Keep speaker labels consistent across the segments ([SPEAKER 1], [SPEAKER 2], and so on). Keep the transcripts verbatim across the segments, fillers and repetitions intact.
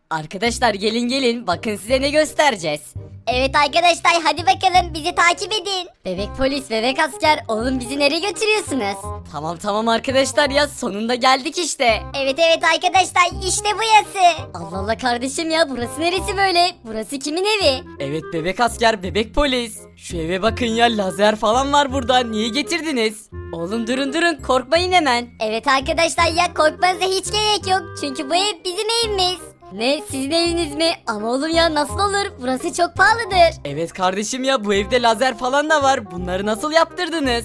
[SPEAKER 1] Arkadaşlar gelin gelin bakın size ne göstereceğiz.
[SPEAKER 2] Evet arkadaşlar hadi bakalım bizi takip edin.
[SPEAKER 1] Bebek polis, bebek asker, oğlum bizi nereye götürüyorsunuz? Tamam tamam arkadaşlar ya sonunda geldik işte.
[SPEAKER 2] Evet evet arkadaşlar işte burası.
[SPEAKER 1] Allah Allah kardeşim ya burası neresi böyle? Burası kimin evi? Evet bebek asker, bebek polis. Şu eve bakın ya lazer falan var burada. Niye getirdiniz? Oğlum durun durun korkmayın hemen.
[SPEAKER 2] Evet arkadaşlar ya korkmanıza hiç gerek yok. Çünkü bu ev bizim evimiz.
[SPEAKER 1] Ne sizin eviniz mi? Ama oğlum ya nasıl olur? Burası çok pahalıdır. Evet kardeşim ya bu evde lazer falan da var. Bunları nasıl yaptırdınız?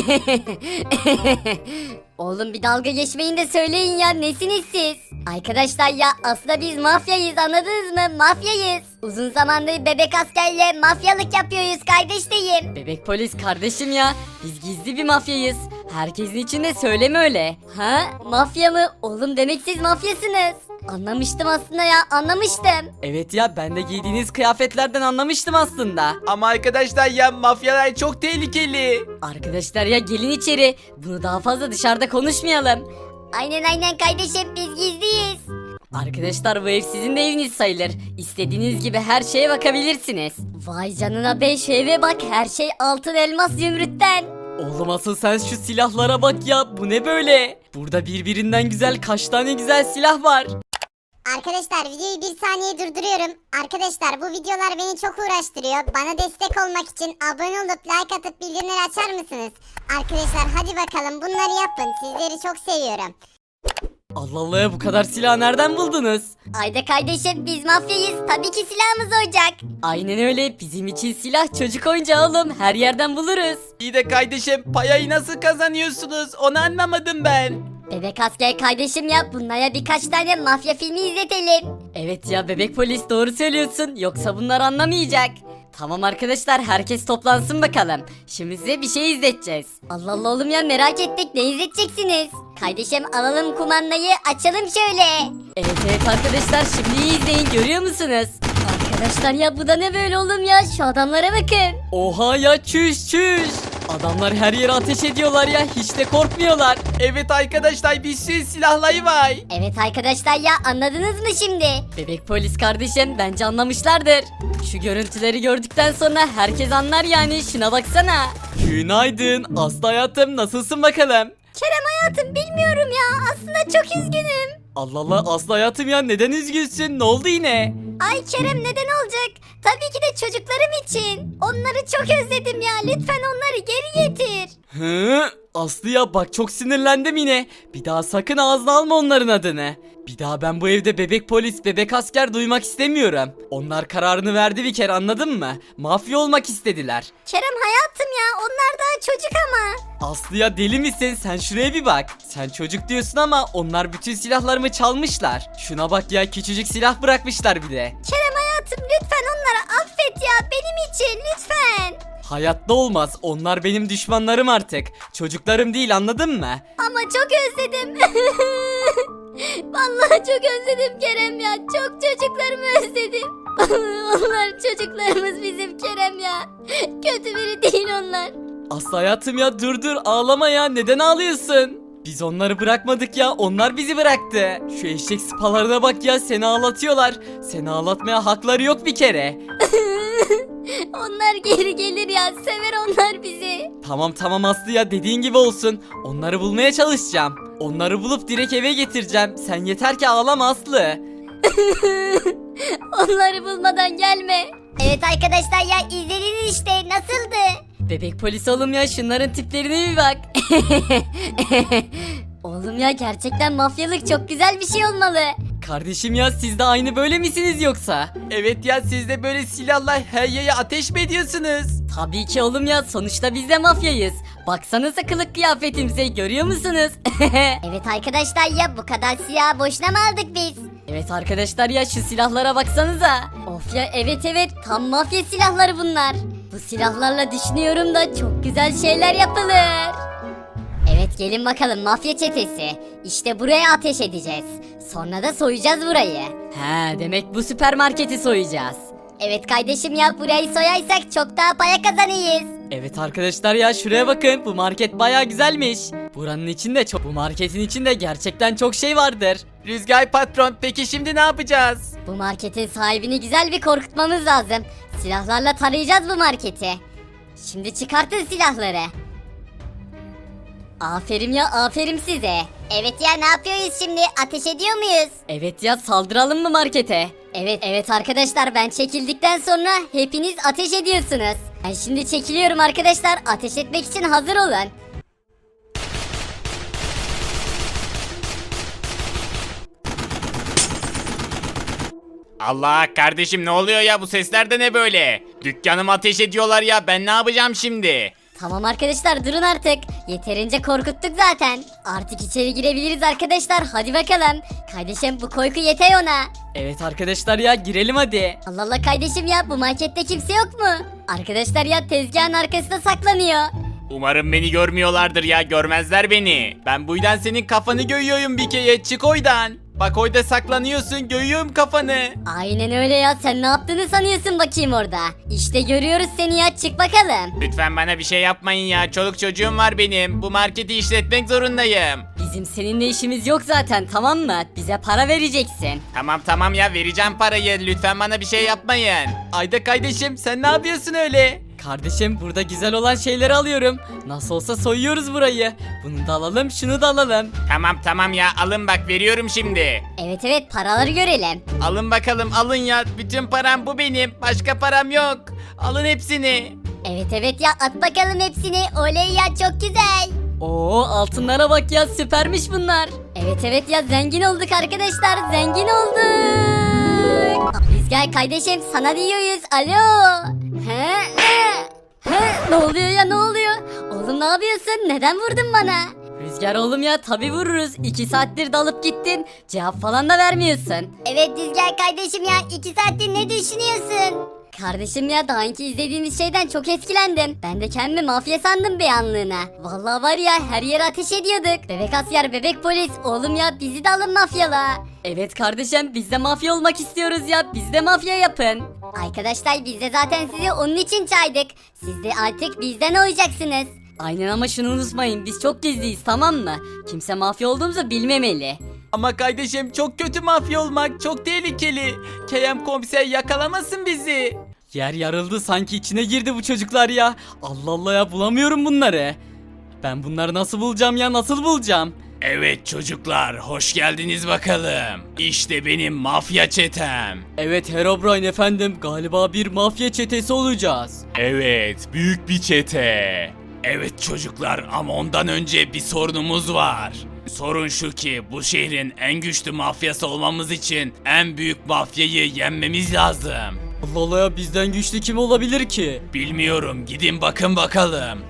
[SPEAKER 2] Oğlum bir dalga geçmeyin de söyleyin ya nesiniz siz? Arkadaşlar ya aslında biz mafyayız anladınız mı? Mafyayız. Uzun zamandır bebek askerle mafyalık yapıyoruz kardeşlerim.
[SPEAKER 1] Bebek polis kardeşim ya. Biz gizli bir mafyayız. Herkesin içinde söyleme öyle. Ha? Mafya mı? Oğlum demek siz mafyasınız.
[SPEAKER 2] Anlamıştım aslında ya anlamıştım.
[SPEAKER 1] Evet ya ben de giydiğiniz kıyafetlerden anlamıştım aslında.
[SPEAKER 3] Ama arkadaşlar ya mafyalar çok tehlikeli.
[SPEAKER 1] Arkadaşlar ya gelin içeri. Bunu daha fazla dışarıda konuşmayalım.
[SPEAKER 2] Aynen aynen kardeşim biz gizliyiz.
[SPEAKER 1] Arkadaşlar bu ev sizin de eviniz sayılır. İstediğiniz gibi her şeye bakabilirsiniz.
[SPEAKER 2] Vay canına be şu eve bak her şey altın elmas zümrütten.
[SPEAKER 1] Oğlum asıl sen şu silahlara bak ya. Bu ne böyle? Burada birbirinden güzel kaç tane güzel silah var.
[SPEAKER 4] Arkadaşlar videoyu bir saniye durduruyorum. Arkadaşlar bu videolar beni çok uğraştırıyor. Bana destek olmak için abone olup like atıp bildirimleri açar mısınız? Arkadaşlar hadi bakalım bunları yapın. Sizleri çok seviyorum.
[SPEAKER 1] Allah Allah bu kadar silah nereden buldunuz?
[SPEAKER 2] Ayda kardeşim biz mafyayız tabii ki silahımız olacak.
[SPEAKER 1] Aynen öyle bizim için silah çocuk oyuncağı oğlum her yerden buluruz.
[SPEAKER 3] İyi de kardeşim payayı nasıl kazanıyorsunuz onu anlamadım ben.
[SPEAKER 2] Bebek asker kardeşim ya bunlara birkaç tane mafya filmi izletelim.
[SPEAKER 1] Evet ya bebek polis doğru söylüyorsun yoksa bunlar anlamayacak. Tamam arkadaşlar herkes toplansın bakalım. Şimdi size bir şey izleteceğiz.
[SPEAKER 2] Allah Allah oğlum ya merak ettik ne izleteceksiniz? Kardeşim alalım kumandayı açalım şöyle.
[SPEAKER 1] Evet evet arkadaşlar şimdi iyi izleyin görüyor musunuz? Arkadaşlar ya bu da ne böyle oğlum ya şu adamlara bakın. Oha ya çüş çüş. Adamlar her yere ateş ediyorlar ya hiç de korkmuyorlar.
[SPEAKER 3] Evet arkadaşlar bir sürü silahları var.
[SPEAKER 2] Evet arkadaşlar ya anladınız mı şimdi?
[SPEAKER 1] Bebek polis kardeşim bence anlamışlardır. Şu görüntüleri gördükten sonra herkes anlar yani şuna baksana. Günaydın Aslı hayatım nasılsın bakalım?
[SPEAKER 2] Kerem hayatım bilmiyorum ya aslında çok üzgünüm.
[SPEAKER 1] Allah Allah Aslı hayatım ya neden üzgünsün ne oldu yine?
[SPEAKER 2] Ay Kerem neden olacak? Tabii ki de çocuklarım için. Onları çok özledim ya lütfen onları geri getir.
[SPEAKER 1] Hı? Aslı ya bak çok sinirlendim yine. Bir daha sakın ağzına alma onların adını. Bir daha ben bu evde bebek polis, bebek asker duymak istemiyorum. Onlar kararını verdi bir kere anladın mı? Mafya olmak istediler.
[SPEAKER 2] Kerem hayatım ya onlar daha çocuk ama.
[SPEAKER 1] Aslı ya deli misin? Sen şuraya bir bak. Sen çocuk diyorsun ama onlar bütün silahlarımı çalmışlar. Şuna bak ya küçücük silah bırakmışlar bir de.
[SPEAKER 2] Kerem hayatım lütfen onları affet ya benim için lütfen.
[SPEAKER 1] Hayatta olmaz. Onlar benim düşmanlarım artık. Çocuklarım değil anladın mı?
[SPEAKER 2] Ama çok özledim. Vallahi çok özledim Kerem ya. Çok çocuklarımı özledim. Onlar çocuklarımız bizim Kerem ya. Kötü biri değil onlar.
[SPEAKER 1] Aslı hayatım ya dur dur ağlama ya neden ağlıyorsun? Biz onları bırakmadık ya onlar bizi bıraktı. Şu eşek sıpalarına bak ya seni ağlatıyorlar. Seni ağlatmaya hakları yok bir kere.
[SPEAKER 2] Onlar geri gelir ya. Sever onlar bizi.
[SPEAKER 1] Tamam tamam Aslı ya dediğin gibi olsun. Onları bulmaya çalışacağım. Onları bulup direkt eve getireceğim. Sen yeter ki ağlama Aslı.
[SPEAKER 2] Onları bulmadan gelme. Evet arkadaşlar ya izlediniz işte nasıldı?
[SPEAKER 1] Bebek polis oğlum ya şunların tiplerine bir bak.
[SPEAKER 2] Oğlum ya gerçekten mafyalık çok güzel bir şey olmalı.
[SPEAKER 1] Kardeşim ya siz de aynı böyle misiniz yoksa?
[SPEAKER 3] Evet ya siz de böyle silahla her yere ateş mi ediyorsunuz?
[SPEAKER 1] Tabii ki oğlum ya sonuçta biz de mafyayız. Baksanıza kılık kıyafetimize görüyor musunuz?
[SPEAKER 2] Evet arkadaşlar ya bu kadar silah boşuna mı aldık biz?
[SPEAKER 1] Evet arkadaşlar ya şu silahlara baksanıza.
[SPEAKER 2] Of ya evet evet tam mafya silahları bunlar. Bu silahlarla düşünüyorum da çok güzel şeyler yapılır. Evet gelin bakalım mafya çetesi. İşte buraya ateş edeceğiz. Sonra da soyacağız burayı.
[SPEAKER 1] He demek bu süpermarketi soyacağız.
[SPEAKER 2] Evet kardeşim ya burayı soyarsak çok daha para kazanırız.
[SPEAKER 1] Evet arkadaşlar ya şuraya bakın bu market baya güzelmiş. Buranın içinde çok bu marketin içinde gerçekten çok şey vardır.
[SPEAKER 3] Rüzgar patron peki şimdi ne yapacağız?
[SPEAKER 2] Bu marketin sahibini güzel bir korkutmamız lazım. Silahlarla tarayacağız bu marketi. Şimdi çıkartın silahları. Aferin ya aferin size.
[SPEAKER 4] Evet ya ne yapıyoruz şimdi? Ateş ediyor muyuz?
[SPEAKER 2] Evet ya saldıralım mı markete? Evet evet arkadaşlar ben çekildikten sonra hepiniz ateş ediyorsunuz. Ben şimdi çekiliyorum arkadaşlar ateş etmek için hazır olun.
[SPEAKER 3] Allah kardeşim ne oluyor ya bu sesler de ne böyle? Dükkanımı ateş ediyorlar ya ben ne yapacağım şimdi?
[SPEAKER 2] Tamam arkadaşlar durun artık. Yeterince korkuttuk zaten. Artık içeri girebiliriz arkadaşlar hadi bakalım. Kardeşim bu korku yeter ona.
[SPEAKER 1] Evet arkadaşlar ya girelim hadi.
[SPEAKER 2] Allah Allah kardeşim ya bu markette kimse yok mu? Arkadaşlar ya tezgahın arkasında saklanıyor.
[SPEAKER 3] Umarım beni görmüyorlardır ya görmezler beni. Ben bu yüzden senin kafanı göğüyorum bir kere çık oydan. Bak oyda saklanıyorsun göğüyorum kafanı.
[SPEAKER 2] Aynen öyle ya sen ne yaptığını sanıyorsun bakayım orada. İşte görüyoruz seni ya çık bakalım.
[SPEAKER 3] Lütfen bana bir şey yapmayın ya çoluk çocuğum var benim. Bu marketi işletmek zorundayım.
[SPEAKER 2] Bizim seninle işimiz yok zaten tamam mı? Bize para vereceksin.
[SPEAKER 3] Tamam tamam ya vereceğim parayı lütfen bana bir şey yapmayın. Ayda kardeşim sen ne yapıyorsun öyle?
[SPEAKER 1] Kardeşim burada güzel olan şeyleri alıyorum. Nasıl olsa soyuyoruz burayı. Bunu da alalım şunu da alalım.
[SPEAKER 3] Tamam tamam ya alın bak veriyorum şimdi.
[SPEAKER 2] Evet evet paraları görelim.
[SPEAKER 3] Alın bakalım alın ya bütün param bu benim başka param yok. Alın hepsini.
[SPEAKER 2] Evet evet ya at bakalım hepsini. Oley ya çok güzel.
[SPEAKER 1] Oo altınlara bak ya süpermiş bunlar.
[SPEAKER 2] Evet evet ya zengin olduk arkadaşlar zengin olduk. Rüzgar kardeşim sana diyoruz alo. He, he, he, ne oluyor ya ne oluyor? Oğlum ne yapıyorsun neden vurdun bana? Rüzgar oğlum ya tabi vururuz. İki saattir dalıp gittin. Cevap falan da vermiyorsun.
[SPEAKER 4] Evet Rüzgar kardeşim ya iki saattir ne düşünüyorsun?
[SPEAKER 2] Kardeşim ya daha önce izlediğimiz şeyden çok etkilendim. Ben de kendimi mafya sandım bir anlığına. Vallahi var ya her yere ateş ediyorduk. Bebek asker, bebek polis. Oğlum ya bizi de alın mafyala. Evet kardeşim biz de mafya olmak istiyoruz ya. Biz de mafya yapın.
[SPEAKER 4] Arkadaşlar biz de zaten sizi onun için çağırdık. Siz de artık bizden olacaksınız.
[SPEAKER 2] Aynen ama şunu unutmayın biz çok gizliyiz tamam mı? Kimse mafya olduğumuzu bilmemeli.
[SPEAKER 3] Ama kardeşim çok kötü mafya olmak çok tehlikeli. Kerem komiser yakalamasın bizi.
[SPEAKER 1] Yer yarıldı sanki içine girdi bu çocuklar ya. Allah Allah ya bulamıyorum bunları. Ben bunları nasıl bulacağım ya nasıl bulacağım?
[SPEAKER 3] Evet çocuklar hoş geldiniz bakalım. İşte benim mafya çetem.
[SPEAKER 1] Evet Herobrine efendim galiba bir mafya çetesi olacağız.
[SPEAKER 3] Evet büyük bir çete. Evet çocuklar ama ondan önce bir sorunumuz var. Sorun şu ki bu şehrin en güçlü mafyası olmamız için en büyük mafyayı yenmemiz lazım.
[SPEAKER 1] Allah Allah ya bizden güçlü kim olabilir ki?
[SPEAKER 3] Bilmiyorum gidin bakın bakalım.